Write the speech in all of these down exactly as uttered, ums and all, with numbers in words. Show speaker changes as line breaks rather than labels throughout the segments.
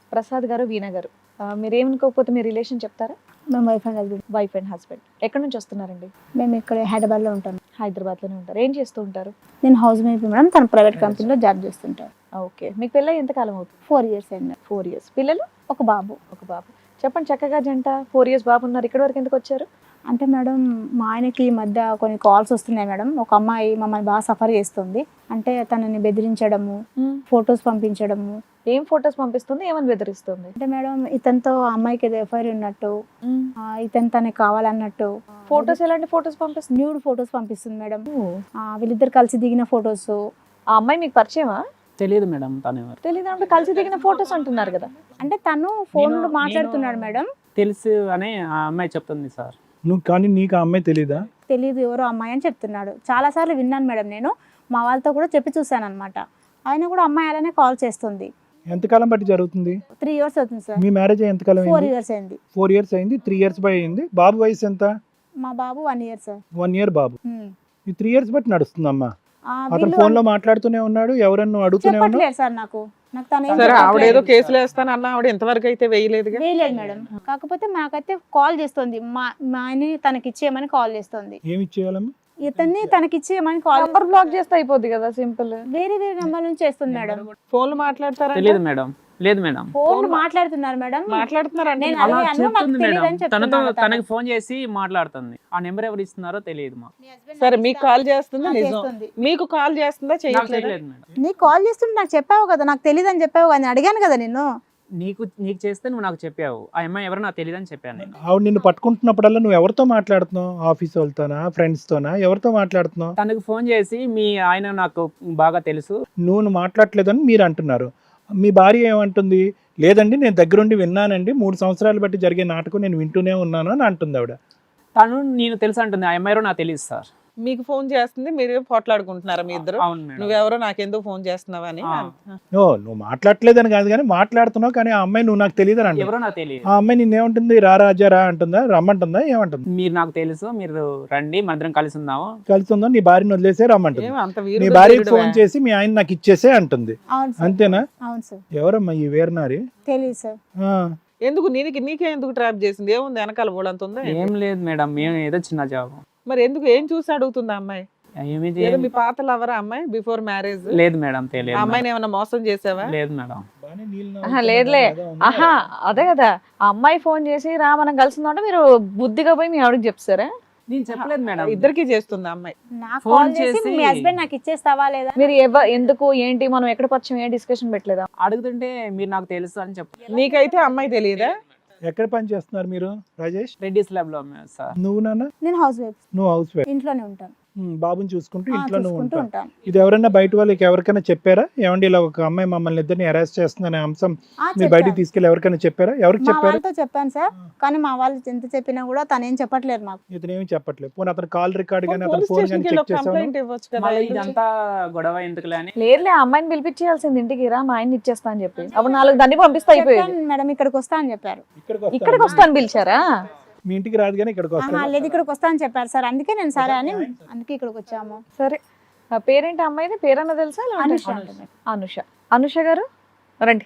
ప్రసాద్ గారు, వీణ గారు, ఆ, మీరు ఏమనుకోకపోతే మీ రిలేషన్ చెప్తారా?
మేము wife and husband.
Wife and husband. ఎక్కడి నుంచి వస్తున్నారండి?
మేము ఇక్కడ హైదరాబాద్లో ఉంటాం.
హైదరాబాద్లోనే ఉంటారు. ఏం చేస్తూ ఉంటారు?
నేను హౌస్ వైఫ్ మేడం, తను ప్రైవేట్ కంపెనీలో జాబ్ చేస్తుంటారు.
ఓకే. మీకు పెళ్ళి ఎంత కాలం అవుతుంది?
ఫోర్ ఇయర్స్ అయింది.
Four years. పిల్లలు?
ఒక బాబు.
ఒక బాబు. చెప్పండి, చక్కగా జంట ఫోర్ ఇయర్స్ బాబు ఉన్నారు. ఇక్కడి వరకు ఎందుకు వచ్చారు?
అంటే మేడం మా ఆయనకి ఈ మధ్య కొన్ని కాల్స్ వస్తున్నాయి మేడం. ఒక అమ్మాయి మమ్మల్ని బాగా సఫర్ చేస్తుంది. అంటే తనని బెదిరించడము, ఫొటోస్ పంపించడము.
ఏం ఫొటోస్ పంపిస్తుంది, ఏమని బెదిరిస్తుంది?
అంటే మేడం ఇతనితో ఆ అమ్మాయికి ఏదో ఎఫ్ఐఆర్ ఉన్నట్టు, ఆ, ఇతను తనకి కావాలన్నట్టు.
ఫొటోస్ ఎలాంటి ఫొటోస్ పంపిస్తుంది?
న్యూడ్ ఫొటోస్ పంపిస్తుంది మేడం. ఆ, వీళ్ళిద్దరు కలిసి దిగిన ఫొటోస్.
ఆ అమ్మాయి మీకు పరిచయమా?
తెలియదు మేడం తను ఎవరు.
తెలీదు అంటే కలిసి దిగిన ఫొటోస్ అంటున్నారు కదా.
అంటే తను ఫోన్
నేను-
మాట్లాడుతున్నాడు
నేను-
మేడం.
తెలుసు అని ఆ అమ్మాయి చెప్తుంది సార్.
నువ్వు కానీ నీకు ఆ అమ్మాయి తెలీదా?
తెలీదు ఎవరో అమ్మాయి అని చెప్తున్నాడు. చాలా సార్లు విన్నాను మేడం. నేను మా వాళ్ళతో కూడా చెప్పి చూసాను అనమాట. ఆయన కూడా అమ్మాయి అలానే కాల్ చేస్తుంది.
ఎంతకాలం బట్టి జరుగుతుంది?
త్రీ ఇయర్స్ అవుతుంది సార్.
మీ మ్యారేజ్ ఎంతకాలం
ఫోర్
అయింది?
ఇయర్స్ అయింది.
ఫోర్ ఇయర్స్ అయింది. త్రీ ఇయర్స్ బై అయింది. బాబు వయసు ఎంత?
మా బాబు one year sir.
One year బాబు.
ఉమ్.
ఈ త్రీ ఇయర్స్ బట్టి నడుస్తుందమ్మా.
ఆ,
అతను
వీళ్ళు
ఫోన్ లో మాట్లాడుతూనే ఉన్నాడు, ఎవరన్నా అడుగుతూనే ఉన్నాడు.
చెప్పట్లేదు సార్ నాకు. నాకు తను ఏం
సరే, ఆవిడ ఏదో
చెప్పట్లేదు.
కేసులు వేస్తాను అన్న, ఆవిడ ఎంతవరకు అయితే వేయలేదుగా.
వేయలేదు మేడం. కాకపోతే మాకైతే కాల్ చేస్తుంది. మా మా ఆయన్ని తనకి ఇచ్చేయమని కాల్ చేస్తుంది.
ఏమి ఇచ్చేయాలమ్మా?
ఇతన్ని తనకి ఇచ్చేయమని కాల్
నంబర్ బ్లాక్ చేస్తే అయిపోద్ది కదా, సింపుల్.
వేరే వేరే నెంబర్ నుంచి చేస్తుంది మేడం.
ఫోన్లు మాట్లాడతారా?
తెలియదు మేడం. లేదు మేడం.
ఫోన్ మాట్లాడుతున్నారు మేడం.
మాట్లాడుతున్నారంటే
నేను
అలా
అడిగాను, మాకు
చెప్తుంది
తెలియదు
మేడం.
అని
తనతో
చెప్తున్నాడు తను.
తనకి ఫోన్ చేసి మాట్లాడుతుంది. ఆ నెంబర్ ఎవరు ఇస్తున్నారో తెలియదు మాకు.
సరే, మీకు కాల్ చేస్తుందా?
నాకు
నిజం
చేస్తుంది.
మీకు కాల్ చేస్తుందా?
నాకు
చేయట్లేదా?
తెలియదు మేడం.
నీకు కాల్ చేస్తుంటే నాకు చెప్పావు కదా, నాకు తెలియదు అని చెప్పావు కదా, నేను అడిగాను కదా నిన్ను.
నీకు నీకు చేస్తే నువ్వు నాకు చెప్పావు. ఆ అమ్మాయి ఎవరో నాకు తెలియదు అని చెప్పాను నేను.
ఆవిడ నిన్ను పట్టుకుంటున్నప్పుడల్లా నువ్వు ఎవరితో మాట్లాడుతున్నావు? ఆఫీస్ వాళ్ళతోనా, ఫ్రెండ్స్ తోనా, ఎవరితో మాట్లాడుతున్నావు?
తనకు ఫోన్ చేసి మీ ఆయన నాకు బాగా తెలుసు.
నువ్వు మాట్లాడలేదని మీరు అంటున్నారు. మీ భార్య ఏమంటుంది? లేదండి, నేను దగ్గరుండి విన్నానండి, మూడు సంవత్సరాలు బట్టి జరిగే నాటకం నేను వింటూనే ఉన్నాను అని అంటుంది ఆవిడ.
తను నేను తెలుసు అంటుంది. ఆ అమ్మాయి ఎవరో నాకు తెలియదు సార్.
మీకు ఫోన్ చేస్తుంది, మీరు పోట్లాడుకుంటున్నారా మీ ఇద్దరు?
అవును మేడం.
నువ్వెవరో నాకెందుకు ఫోన్ చేస్తున్నావా అని.
ఆ.
ఓ, నువ్వు మాట్లాడలేదని కాదు కానీ మాట్లాడుతున్నావు, కానీ ఆ అమ్మాయి నువ్వు నాకు తెలియదు అని అంటుంది.
ఎవరో నాకు తెలియదు.
ఆ అమ్మాయి నిన్నేమంటుంది? రా రాజా రా అంటుందా, రమ్మంటుందా, ఏమంటుంది?
మీరు నాకు తెలుసు, మీరు రండి, మనందరం కలిసి ఉందాము.
కలిసి ఉందా? నీ భార్యను వదిలేసే రమ్మంటుంది.
ఏం అంత
నీ
వీరుడు
భార్యకి
వీరుడువా?
ఫోన్ చేసి మీ ఆయన నాకు ఇచ్చేసే అంటుంది.
అవును సార్.
అంతేనా?
అవును సార్.
ఎవరమ్మా ఈ వీరనారి?
తెలియదు సార్.
ఆ,
ఎందుకు నీకు నీకే ఎందుకు ట్రాప్ చేసింది? ఏముంది వెనకాల ఊళ్ళంత ఉందా?
ఏం లేదు మేడం, మేము ఏదో చిన్న జాబ్.
మరి ఎందుకు ఏం చూసి అడుగుతుంది ఆ అమ్మాయి?
ఏమి
ఏదో
చేయం-
మీ పాత లవరా అమ్మాయి బిఫోర్ మ్యారేజ్?
లేదు మేడం,
ఆ
తెలియదు
అమ్మాయిని ఏమైనా మోసం చేసావా?
మేడం. లేదు మేడం.
బాగానే నీళ్ళు
ఆహా,
నవ్వుతున్నా
లేదులే.
కదా, ఉందా?
ఆహా, అదే కదా. ఆ అమ్మాయి ఫోన్ చేసి రా మనం కలిసిందంటే మీరు బుద్ధిగా పోయి మీ ఆవిడకి చెప్తారా?
నేను చెప్పలేదు మేడం.
ఇద్దరికి చేస్తుంది ఆ అమ్మాయి.
నాకు
ఫోన్
కాల్ చేసి
చేసి-
మీ హస్బెండ్ నాకు ఇచ్చేస్తావా లేదా?
మీరు ఎవ ఎందుకు ఏంటి మనం ఎక్కడ పరిచయం ఏ డిస్కషన్ పెట్టలేదా?
అడుగుతుంటే మీరు నాకు తెలుసు అని చెప్పారు.
నీకైతే అమ్మాయి తెలియదా?
ఎక్కడ పని చేస్తున్నారు మీరు రాజేష్?
రెడ్డిస్ ల్యాబ్ లో సార్.
నువ్వు నాన్న?
నేను హౌస్ వైఫ్,
నువ్వు హౌస్ వైఫ్.
ఇంట్లోనే ఉంటాను.
బాబుని చూసుకుంటూ
ఆ,
ఇంట్లో నువ్వు
చూసుకుంటూ
ఉంటావు.
ఉంటాను.
ఇది ఎవరైనా బయట వాళ్ళకి ఎవరికైనా చెప్పారా? ఏమండి ఇలా ఒక అమ్మాయి మమ్మల్ని ఇద్దరిని అరెస్ట్ చేస్తుందనే అంశం
ఆ,
మీరు బయటికి
చెప్పాను.
తీసుకెళ్ళి ఎవరికైనా చెప్పారా? ఎవరికి
మా
చెప్పారు?
వాళ్ళతో చెప్పాను సార్, కానీ మా వాళ్ళు ఎంత చెప్పినా కూడా తను ఏం చెప్పట్లేదు మాకు.
ఇతను ఏమి చెప్పట్లేదు. పోనీ అతను కాల్ రికార్డ్ కానీ అతను
పోలీస్
ఫోన్
స్టేషన్
కానీ
కి
చెక్ చేసావు?
కంప్లైంట్ ఇవ్వచ్చు కదా.
మళ్ళీ ఇదంతా గొడవ ఎందుకులే అని.
లేదులే, ఆ అమ్మాయిని పిలిపించేయాల్సింది ఇంటికి. రా మా ఆయన ఇచ్చేస్తా అని చెప్పి అప్పుడు నాలుగు దాన్ని పంపిస్తే అయిపోయేది.
చెప్పాను మేడం, ఇక్కడికి వస్తా అని చెప్పారు.
ఇక్కడికి వస్తా.
ఇక్కడికి వస్తాను పిలిచారా?
మీ ఇంటికి రాదు కానీ ఇక్కడికి
ఆహా,
వస్తా.
లేదు ఇక్కడికి వస్తా అని చెప్పారు సార్, అందుకే నేను సరే అని అందుకే ఇక్కడికి వచ్చాము.
సరే, ఆ పేరేంటి అమ్మాయిది? పేరన్నా తెలుసా? లేదంటే-
అనుష అంటుంది.
అనుష. అనుష గారు రండి.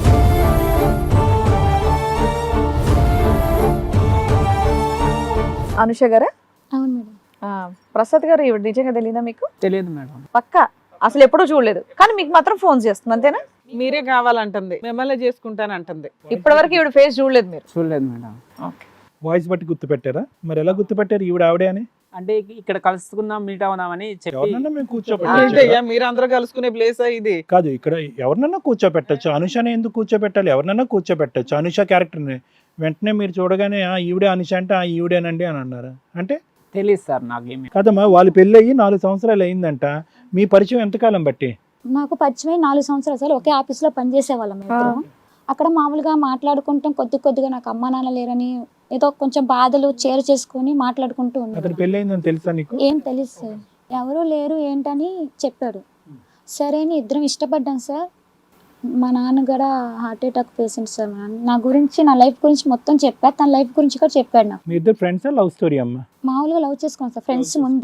అనుష గారా?
అవును మేడం.
ఆ, ప్రసాద్ గారు ఈవిడ నిజంగా తెలియదా మీకు?
తెలియదు మేడం.
పక్కా అసలు ఎప్పుడూ చూడలేదు, కానీ మీకు మాత్రం ఫోన్ చేస్తుంది అంతేనా?
మీరే కావాలంటుంది, మిమ్మల్ని చేసుకుంటాను అంటుంది.
ఇప్పటి వరకు ఈవిడ ఫేస్ చూడలేదు మీరు?
చూడలేదు మేడం.
ఓకే.
వాయిస్ బట్టి గుర్తుపెట్టారా? మరి ఎలా గుర్తుపెట్టారు ఈవిడ ఆవిడే అని?
అంటే ఇక్కడ కలుసుకుందాం, మీట్ అవుదామని చెప్పి
ఎవరినన్నా మేము
ఏంటయ్యా
కూర్చోబెట్టచ్చు.
మీరు అందరూ కలుసుకునే ప్లేసా ఇది?
కాదు, ఇక్కడ ఎవరినన్నా కూర్చోబెట్టచ్చు. అనుషనే ఎందుకు కూర్చోబెట్టాలి? ఎవరినన్నా కూర్చోబెట్టచ్చు. అనుష క్యారెక్టర్ని వెంటనే మీరు చూడగానే ఆ ఈవిడే అనుష అంటే ఆ ఈవిడేనండి అని అన్నారు. అంటే
తెలియదు సార్ నాకేమి.
కదమ్మా, వాళ్ళు పెళ్ళి అయ్యి నాలుగు సంవత్సరాలు అయిందంట. మీ పరిచయం ఎంతకాలం బట్టి?
మాకు పరిచయం నాలుగు సంవత్సరాలు సార్. ఒకే ఆఫీస్లో పనిచేసేవాళ్ళం ఇద్దరం. అక్కడ మామూలుగా మాట్లాడుకుంటాం, కొద్ది కొద్దిగా నాకు అమ్మా నాన్న లేరని ఏదో కొంచెం బాధలు చేరు చేసుకొని మాట్లాడుకుంటూ
అతను
ఉన్నాం.
పెళ్ళి అయిందని తెలుసా నీకు?
ఏం తెలుసు సార్, ఎవరు లేరు ఏంటని చెప్పాడు. సరే అని ఇద్దరం ఇష్టపడ్డాం సార్. మా నాన్న కూడా హార్ట్ అటాక్ పేషెంట్ సార్. మా నాన్న నా గురించి, నా లైఫ్ గురించి మొత్తం చెప్పాడు. తన లైఫ్ గురించి కూడా చెప్పాడు నాకు.
మీ ఇద్దరు ఫ్రెండ్సా, లవ్ స్టోరీ అమ్మా?
మామూలుగా లవ్ చేసుకున్నాం సార్ ఫ్రెండ్స్ ముందు.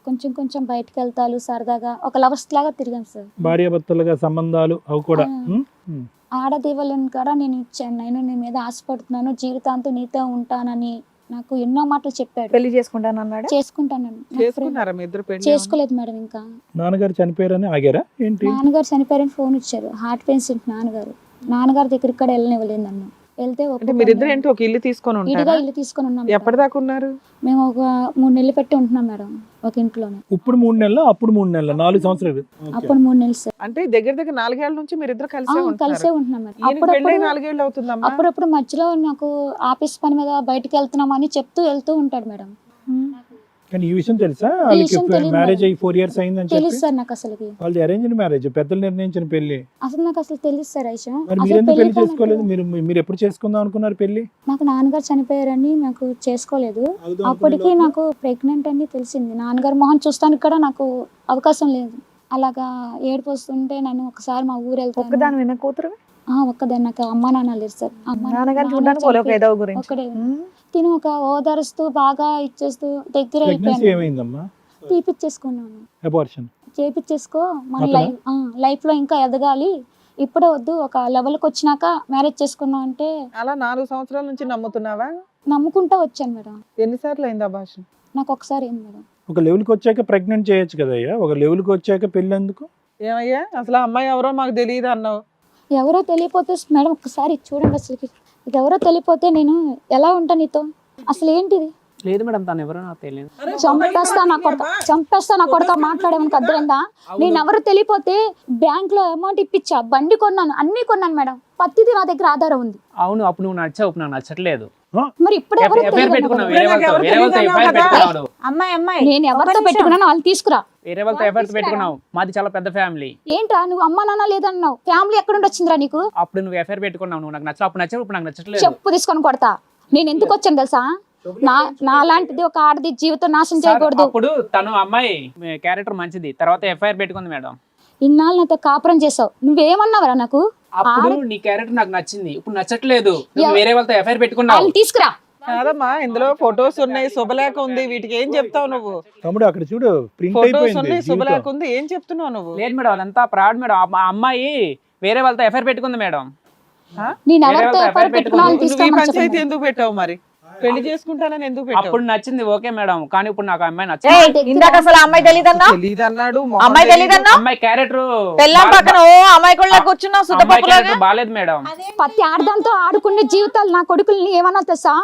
కొంచెం కొంచెం బయటకు వెళ్తాలు సరదాగా ఒక లవర్స్ లాగా తిరిగాం సార్.
భార్యాభర్తలుగా సంబంధాలు అవి కూడా
ఆ.
ఉమ్, ఉమ్.
ఆడదేవులను కూడా నేను ఇచ్చాను, నేను నీ మీద ఆశపడుతున్నాను, జీవితాంతం నీతో ఉంటానని నాకు ఎన్నో మాటలు చెప్పాడు.
పెళ్లి చేసుకుంటాను అన్నాడు.
చేసుకుంటానని నాకు ప్రేమ-
చేసుకున్నారా మీ ఇద్దరు పెళ్లి?
చేసుకోలేదు మేడం. ఇంకా
నాన్నగారు చనిపోయారని ఆగారా ఏంటి?
నాన్నగారు చనిపోయారని ఫోన్ ఇచ్చారు. హార్ట్ పేషెంట్ నాన్నగారు. నాన్నగారి దగ్గరికి కూడా వెళ్ళనివ్వలేదు నన్ను. వెళ్తే
అంటే
ఒప్పుకోను.
మీరిద్దరు ఏంటి ఒక ఇల్లు తీసుకొని
ఇదిగా
ఉంటారా?
ఇల్లు తీసుకొని ఉన్నాం మేడం.
ఎప్పటిదాకా ఉన్నారు?
మేము ఒక మూడు నెలలు పెట్టి ఉంటున్నాం మేడం ఒక ఇంట్లోనే.
ఇప్పుడు మూడు నెలలు అప్పుడు మూడు నెలలు నాలుగు సంవత్సరాలు.
అప్పుడు మూడు నెలలు సార్.
అంటే దగ్గర దగ్గర నాలుగేళ్ల నుంచి మీరిద్దరు
ఆ,
కలిసే
కలిసే
ఉంటున్నారు.
ఉంటున్నాం మేడం.
ఈయనకి పెళ్ళై
అప్పుడప్పుడు
నాలుగేళ్ళు అవుతుందమ్మా.
అప్పుడప్పుడు మధ్యలో నాకు ఆఫీస్ పని మీద బయటకు వెళ్తున్నామని చెప్తూ వెళ్తూ ఉంటాడు మేడం.
కానీ ఈ విషయం తెలుసా
ఈ
వాళ్ళకి
విషయం తెలియదు
మ్యారేజ్
మేడం.
అయ్యి ఫోర్ ఇయర్స్ అయిందని
తెలుసు
చెప్పి?
సార్ నాకు అసలుకి.
వాళ్ళది అరేంజ్డ్ మ్యారేజ్, పెద్దలు నిర్ణయించిన పెళ్లి.
అసలు నాకు అసలు తెలుసు సార్ ఐషా.
మరి
అసలు
మీరెందుకు పెళ్లి
పెళ్లి
చేసుకోలేదు?
కానప్పుడు
మీరు మీరు ఎప్పుడు చేసుకుందాం అనుకున్నారు పెళ్లి?
నాకు నాన్నగారు చనిపోయారని నాకు చేసుకోలేదు. అప్పటికి నాకు ప్రెగ్నెంట్ అని తెలిసింది. నాన్నగారు మొహం చూస్తానికి కూడా నాకు అవకాశం లేదు. అలాగా ఏడుపు వస్తుంటే నన్ను ఒకసారి మా ఊరు వెళ్తాను.
ఒక్కదాని విన్న కూతురు
ఆ, ఒక్కదాన్ని. నాకు అమ్మ నాన్న లేరు సార్. అమ్మ
నాన్నగారు
నాన్న
చూడడానికి పోలే ఒక
చనిపోయి-
ఏదో గురించి.
ఒక్కడే
ఉమ్.
తిను ఒక ఓదారుస్తూ బాగా ఇచ్చేస్తూ దగ్గర
ప్రెగ్నెన్సీ
అయిపోయాను.
ఏమైందమ్మా?
తీపిచ్చేసుకున్నాను.
అబార్షన్.
చేపించేసుకో మన
అతనా?
లైఫ్ లైఫ్ లో ఇంకా ఎదగాలి, ఇప్పుడే వద్దు, ఒక లెవెల్కి వచ్చినాక మ్యారేజ్ చేసుకున్నాం అంటే
అలా నాలుగు సంవత్సరాల నుంచి నమ్ముతున్నావా?
నమ్ముకుంటా వచ్చాను మేడం.
ఎన్నిసార్లు అయిందా భాష?
నాకు ఒకసారి ఏంది మేడం.
ఒక లెవెల్కి వచ్చాక ప్రెగ్నెంట్ చేయొచ్చు కదయ్యా, ఒక లెవెల్కి వచ్చాక పెళ్లి ఎందుకు?
ఏమయ్యా అసలు ఆ అమ్మాయి ఎవరో మాకు తెలియదు అన్నావు.
ఎవరో తెలియపోతే మేడం ఒకసారి చూడండి, అసలుకి ఇది ఎవరో తెలియపోతే నేను ఎలా ఉంటా నీతో? అసలు ఏంటిది?
లేదు మేడం, తను ఎవరో నాకు తెలియదు.
చంపేస్తా నా కొడక, చంపేస్తా నా కొడక. మాట్లాడేమని అర్థమైందా? నేను ఎవరు తెలియపోతే బ్యాంక్ లో అమౌంట్ ఇప్పించా, బండి కొన్నాను, అన్ని కొన్నాను మేడం. పత్తిది నా దగ్గర ఆధారం ఉంది.
అవును, అప్పుడు నువ్వు నచ్చావు, ఇప్పుడు నాకు నచ్చట్లేదు.
మరి ఇప్పుడు ఎవరు
ఎఫ్ఐఆర్
తెలియదు
పెట్టుకున్నావు
నాకు.
వేరే వాళ్ళతో,
ఎవరు
వేరే వాళ్ళతో
తెలియదు
ఎఫ్ఐఆర్
అన్నావు కదా?
పెట్టుకున్నాడు.
అమ్మాయి అమ్మాయి
నేను ఎవరితో పెట్టుకున్నాను వాళ్ళు తీసుకురా.
వేరే వాళ్ళతో ఎఫ్ఐఆర్ పెట్టుకున్నావు. మాది చాలా పెద్ద ఫ్యామిలీ.
ఏంట్రా నువ్వు అమ్మా నాన్న లేదన్నావు, ఫ్యామిలీ ఎక్కడ నుండి వచ్చిందిరా నీకు?
అప్పుడు నువ్వు ఎఫ్ఐఆర్ పెట్టుకున్నావు, నువ్వు నాకు నచ్చవు, అప్పుడు నచ్చావు, ఇప్పుడు నాకు నచ్చట్లేదు.
చెప్పు తీసుకొని కొడతా. నేను ఎందుకు వచ్చాను తెలుసా? నా నా లాంటిది ఒక ఆడది జీవితం నాశనం
సార్,
చేయకూడదు.
అప్పుడు తను అమ్మాయి క్యారెక్టర్ మంచిది, తర్వాత ఎఫ్ఐఆర్ పెట్టుకుంది మేడం.
ఇన్నాళ్ళు నాతో కాపురం చేసావు, నువ్వేమన్నావరా నాకు?
అప్పుడు నీ క్యారెక్టర్ నాకు నచ్చింది, ఇప్పుడు నచ్చట్లేదు. నువ్వు
ఎవ-
వేరే వాళ్ళతో ఎఫ్ఐఆర్ పెట్టుకున్నావు.
వాళ్ళని తీసుకురా.
కాదమ్మా, ఇందులో ఫొటోస్ ఉన్నాయి, శుభలేఖ ఉంది, వీటికి ఏం చెప్తావు నువ్వు?
తమ్ముడు అక్కడ చూడు ప్రింట్
ఫొటోస్
అయిపోయింది
ఉన్నాయి,
జీవితం.
శుభలేఖ ఉంది, ఏం చెప్తున్నావు నువ్వు?
లేదు మేడం, అదంతా ప్రాడ్ మేడం. ఆ ఆ అమ్మాయి వేరే వాళ్ళతో ఎఫ్ఐఆర్ పెట్టుకుంది మేడం.
ఆ?
నేను
వేరే
ఎవరితో
వాళ్ళతో
ఎఫ్ఐఆర్
ఎఫ్ఐఆర్
పెట్టుకున్నా వాళ్ళని
నువ్వు ఈ
తీసుకోమని
పంచాయతీ
చెప్పండి.
ఎందుకు పెట్టావు మరి? పెళ్లి చేసుకుంటానని ఎందుకు పెట్టావు?
అప్పుడు నచ్చింది ఓకే మేడం, కానీ ఇప్పుడు నాకు ఆ అమ్మాయి
ఏయ్,
నచ్చలేదు.
ఇందాక అసలు ఆ అమ్మాయి తెలియదన్నా?
తెలీదు అన్నాడు,
అమ్మాయి తెలియదన్నా?
అమ్మాయి క్యారెక్టర్
పెళ్ళాం పక్కన ఓ అమ్మాయి కూడా కూర్చున్నావు
అమ్మాయి
సుద్దపప్పులాగా.
క్యారెక్టర్ బాలేదు మేడం.
ప్రతి ఆడదాంతో ఆడుకునే జీవితాలు నా కొడుకుల్ని ఏమన్నా తెలుసా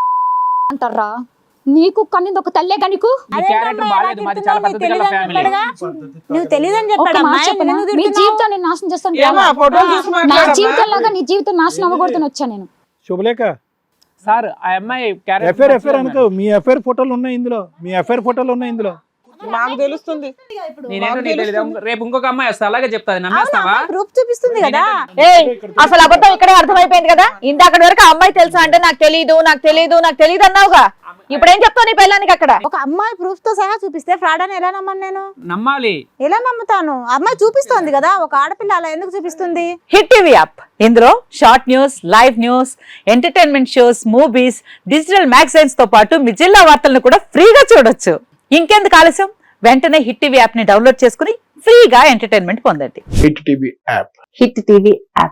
అంటారా? నీకు కన్నింది ఒక తల్లే గనికు.
నీ క్యారెక్టర్ బాలేదు, మాది చాలా పెద్ద గల ఫ్యామిలీ.
నువ్వు తెలియదని
ఒక
చెప్పాడు
మాట చెప్పనా? మీ జీవితాన్ని నాశనం చేస్తాను.
ఏమా, ఫోటోలు చూసి
నా
మాట్లాడమ్మా.
జీవితం లాగా నీ జీవితం నాశనం అవ్వకూడదని వచ్చా నేను.
శుభలేఖ
సార్, ఆ అమ్మాయి
ఎఫ్ఐఆర్
క్యారెక్టర్
ఎఫ్ఐఆర్ అనుకో, మీ ఎఫ్ఐఆర్ ఫోటోలు ఉన్నాయి ఇందులో, మీ ఎఫ్ఐఆర్ ఫోటోలు ఉన్నాయి ఇందులో.
మాకు తెలుస్తుంది.
నేనేంటో నీకు తెలీదా? రేపు ఇంకొక అమ్మాయి వస్తా, అలాగే చెప్తాది, నమ్మేస్తావా?
ప్రూఫ్ చూపిస్తుంది కదా.
ఏయ్, అసలు అబద్ధం ఇక్కడే అర్థమైపోయింది కదా. ఇందాక వరకు ఆ అమ్మాయి తెలుసా అంటే నాకు తెలియదు నాకు తెలియదు నాకు తెలియదు అన్నావుగా. ఇప్పుడు ఏం చెప్తావు నీ పెళ్ళానికి అక్కడ?
ఒక అమ్మాయి ప్రూఫ్ తో సహా చూపిస్తే ఫ్రాడ్ అని ఎలా నమ్మను నేను?
నమ్మాలి.
ఎలా నమ్ముతాను? అమ్మాయి చూపిస్తోంది కదా, ఒక ఆడపిల్ల అలా ఎందుకు చూపిస్తుంది?
హిట్ టీవీ యాప్ ఇందులో short news, live news, entertainment shows, movies, digital magazines తో పాటు మీ జిల్లా వార్తలను కూడా ఫ్రీగా చూడొచ్చు. ఇంకెందుకు ఆలస్యం, వెంటనే హిట్ టీవీ యాప్ ని డౌన్లోడ్ చేసుకుని ఫ్రీగా ఎంటర్టైన్మెంట్ పొందండి.
Hit TV app
Hit TV app.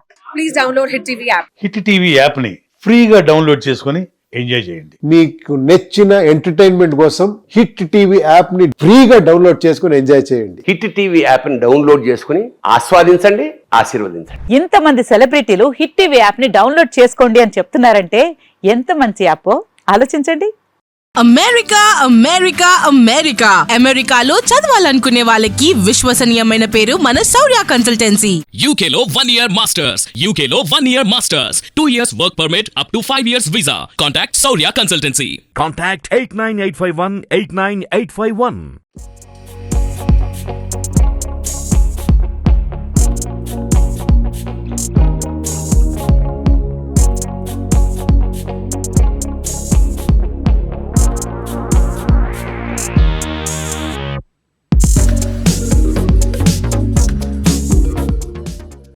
Hit TV app ని ఫ్రీగా డౌన్లోడ్ చేసుకొని ఎంజాయ్ చేయండి.
మీకు నచ్చిన ఎంటర్టైన్మెంట్ కోసం హిట్ టీవీ యాప్ ని ఫ్రీగా డౌన్లోడ్ చేసుకుని ఎంజాయ్ చేయండి.
హిట్ టీవీ యాప్ ని డౌన్లోడ్ చేసుకుని ఆస్వాదించండి, ఆశీర్వదించండి.
ఇంతమంది సెలబ్రిటీలు హిట్ టీవీ యాప్ ని డౌన్లోడ్ చేసుకోండి అని చెప్తున్నారంటే ఎంత మంచి యాప్ ఆలోచించండి.
అమెరికా అమెరికా అమెరికా అమెరికాలో చదవాలనుకునే వాళ్ళకి విశ్వసనీయమైన పేరు మన శౌర్య కన్సల్టెన్సీ.
యూకేలో వన్ ఇయర్ మాస్టర్స్ యూకేలో one year masters two years work permit up to five years visa. Contact Shaurya consultancy.
Contact eight nine eight five one eight nine eight five one.